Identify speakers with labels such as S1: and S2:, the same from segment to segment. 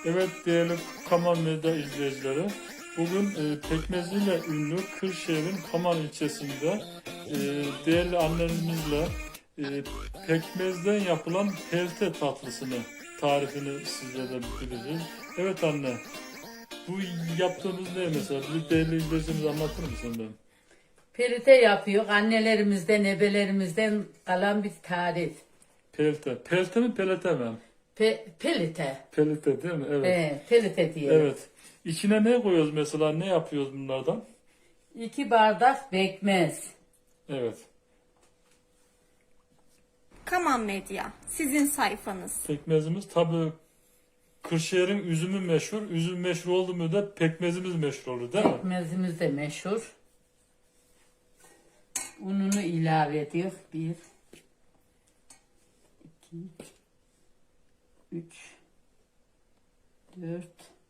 S1: Evet değerli Kaman Medya izleyicileri, bugün pekmeziyle ünlü Kırşehir'in Kaman ilçesinde değerli annelerimizle pekmezden yapılan pelte tatlısını tarifini sizlere bildireceğiz. Evet anne, bu yaptığımız ne mesela? Bir değerli izleyicimize anlatır mısın ben?
S2: Perite yapıyor. Annelerimizden, ebelerimizden kalan bir tarif.
S1: Pelte. Pelte mi pelete mi?
S2: Pelite.
S1: Pelete değil mi? Evet.
S2: Pelite diyelim.
S1: Evet. İçine ne koyuyoruz mesela? Ne yapıyoruz bunlardan?
S2: 2 bardak pekmez.
S1: Evet.
S3: Kaman Medya, sizin sayfanız.
S1: Pekmezimiz tabii Kırşehir'in üzümü meşhur. Üzüm meşhur oldu mu da pekmezimiz meşhur olur değil mi?
S2: Pekmezimiz de meşhur. Ununu ilave ediyor. 1 2 3 4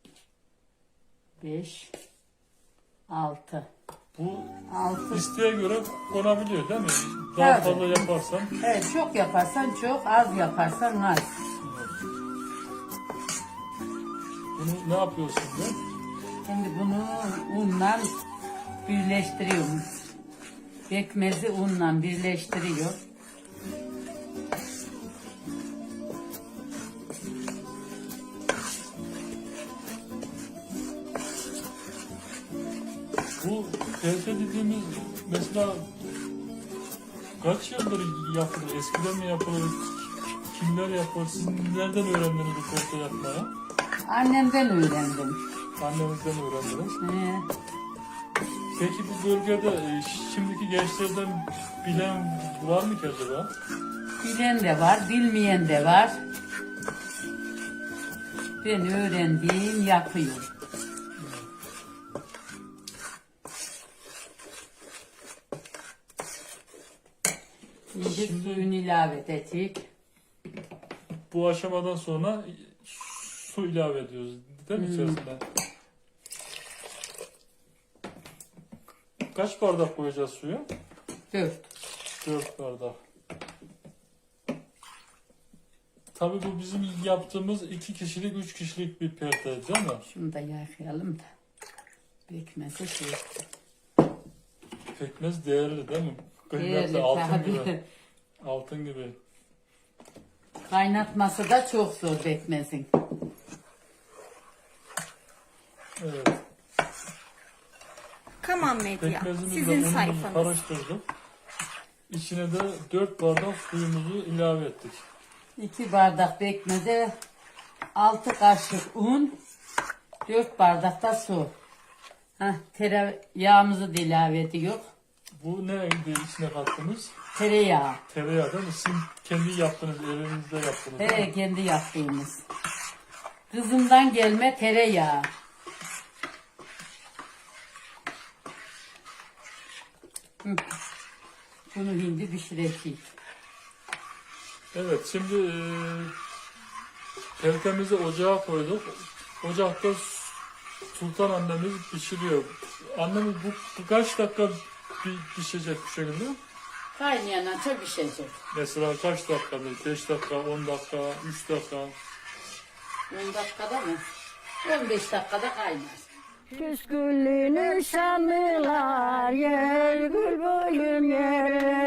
S2: 5 6.
S1: Bu
S2: 6.
S1: isteğe göre konabiliyor değil mi? Daha
S2: Tabii.
S1: fazla yaparsan.
S2: Evet, çok yaparsan çok, az yaparsan az.
S1: Bunu ne yapıyorsun ben?
S2: Şimdi bunu unla birleştiriyorum. Pekmezi unla birleştiriyor.
S1: Bu pelte dediğimiz mesela kaç yıldır yapılır? Eskiden mi yapılır? Kimler yapar? Siz nereden öğrendiniz bu pelte yapmaya?
S2: Annemden öğrendim.
S1: Annemizden öğrendiniz.
S2: Ee,
S1: Peki bu bölgede şimdiki gençlerden bilen var mı ki acaba?
S2: bilen de var, bilmeyen de var. Ben öğrendiğim yapıyorum. Şimdi suyunu ilave edecek.
S1: Bu aşamadan sonra su ilave ediyoruz değil mi içerisine? Kaç bardak koyacağız suyu?
S2: 4.
S1: 4 bardak. Tabii bu bizim yaptığımız 2 kişilik 3 kişilik bir perte değil mi?
S2: Şunu da yakayalım da. Pekmezi şey.
S1: Pekmez değerli değil mi? Kıymetli
S2: Değerli
S1: altın
S2: tabii.
S1: gibi. Altın gibi.
S2: Kaynatması da çok zor pekmezin.
S1: Evet.
S3: Kaman Medya,
S1: Pekmezimizle
S3: sizin
S1: unumuzu
S3: sayfanız.
S1: karıştırdık. İçine de 4 bardak suyumuzu ilave ettik.
S2: 2 bardak pekmeze 6 kaşık un, 4 bardak da su. Tereyağımızı da ilave ediyor.
S1: Bu neydi içine kattınız?
S2: Tereyağı.
S1: Tereyağı değil mi? Siz kendi yaptınız, evinizde yaptınız değil mi?
S2: Kendi yaptığımız. Kızımdan gelme tereyağı. Hı. Bunu hindi pişireceğiz.
S1: Evet, şimdi peltemizi ocağa koyduk. Ocakta Sultan annemiz pişiriyor. Annemiz bu kaç dakika pişecek bu şekilde?
S2: Kaynayana çok pişecek.
S1: Mesela kaç dakika? 5 dakika, 10 dakika, 3 dakika.
S2: 10 dakikada mı? 15 dakikada kaynar.
S4: Küskünlüğünü şanlılar yer gül boyun yere.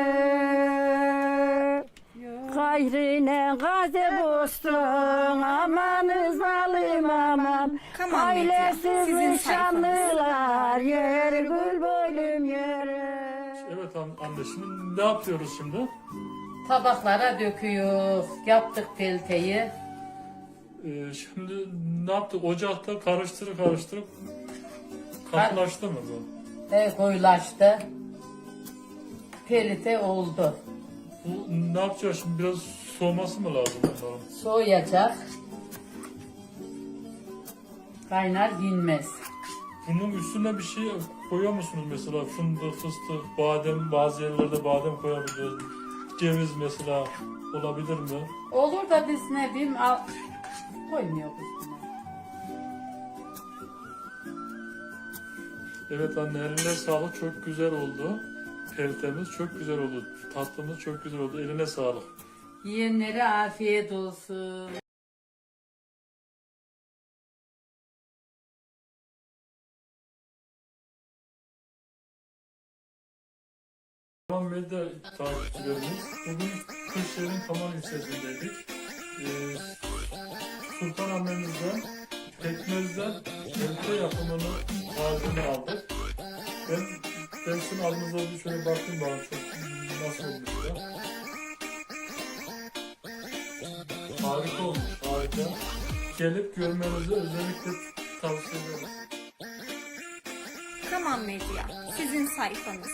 S4: Gayrine gaze bostun amanız alim aman.
S3: Kaman Medya, sizin
S4: Ailesizin
S3: sayfanız.
S4: şanlılar yer gül boyun yere.
S1: Evet anne, şimdi ne yapıyoruz şimdi?
S2: Tabaklara döküyor. Yaptık pelteyi.
S1: Şimdi ne yaptık? Ocakta karıştırıp katılaştı mı bu?
S2: Koyulaştı. Pelite oldu.
S1: Bu ne yapacağız şimdi? Biraz soğuması mı lazım bunların?
S2: Soğuyacak. Kaynar yenmez.
S1: Bunun üstüne bir şey koyuyor musunuz mesela? Fındık, fıstık, badem, bazı yerlerde badem koyabiliyoruz. Ceviz mesela olabilir mi?
S2: Olur da biz ne bileyim koymuyoruz üstüne.
S1: Evet anne, eline sağlık, çok güzel oldu. Peltemiz çok güzel oldu. Tatlımız çok güzel oldu. Eline sağlık.
S2: Yiyenlere afiyet olsun.
S1: Kaman Medya takipçilerimiz, bugün Kırşehir'in Kaman ilçesindeydik. Sultan annemizden pekmezden köfte yapımını tarifini aldık. Ben sizin adınıza bir şöyle bakayım bana çok nasıl olmuş ya. Harika olmuş, harika. Gelip görmenizi özellikle tavsiye ederim.
S3: Kaman Medya, sizin sayfanız.